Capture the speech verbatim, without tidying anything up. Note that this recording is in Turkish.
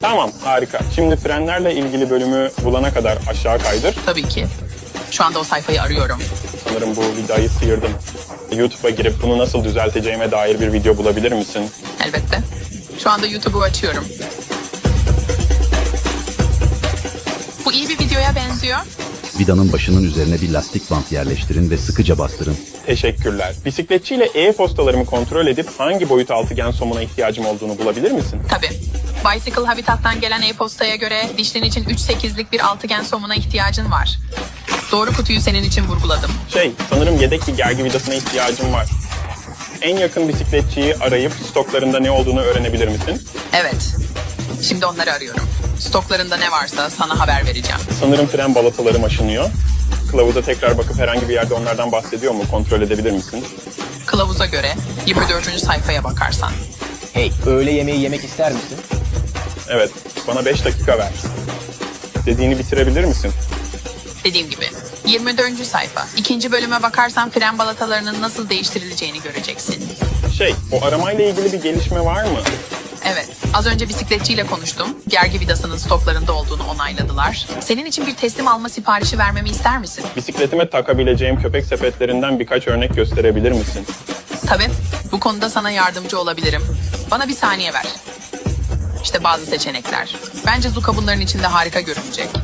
Tamam, harika. Şimdi frenlerle ilgili bölümü bulana kadar aşağı kaydır. Tabii ki. Şu anda o sayfayı arıyorum. Sanırım bu vidayı sıyırdım. YouTube'a girip bunu nasıl düzelteceğime dair bir video bulabilir misin? Elbette. Şu anda YouTube'u açıyorum. Bu iyi bir videoya benziyor. Vidanın başının üzerine bir lastik bant yerleştirin ve sıkıca bastırın. Teşekkürler. Bisikletçiyle e-postalarımı kontrol edip hangi boyut altıgen somuna ihtiyacım olduğunu bulabilir misin? Tabii. Bicycle Habitat'tan gelen e-postaya göre dişlin için üç sekizlik bir altıgen somuna ihtiyacın var. Doğru kutuyu senin için vurguladım. Şey, sanırım yedek bir gergi vidasına ihtiyacım var. En yakın bisikletçiyi arayıp stoklarında ne olduğunu öğrenebilir misin? Evet. Şimdi onları arıyorum. Stoklarında ne varsa sana haber vereceğim. Sanırım fren balatalarım aşınıyor. Kılavuza tekrar bakıp herhangi bir yerde onlardan bahsediyor mu? Kontrol edebilir misin? Kılavuza göre yirmi dördüncü sayfaya bakarsan. Hey, öğle yemeği yemek ister misin? Evet, bana beş dakika ver. Dediğini bitirebilir misin? Dediğim gibi yirmi dördüncü sayfa. İkinci bölüme bakarsan fren balatalarının nasıl değiştirileceğini göreceksin. Şey, o aramayla ilgili bir gelişme var mı? Evet, az önce bisikletçiyle konuştum. Gergi vidasının stoklarında olduğunu onayladılar. Senin için bir teslim alma siparişi vermemi ister misin? Bisikletime takabileceğim köpek sepetlerinden birkaç örnek gösterebilir misin? Tabii, bu konuda sana yardımcı olabilirim. Bana bir saniye ver. İşte bazı seçenekler. Bence Zuka bunların içinde harika görünecek.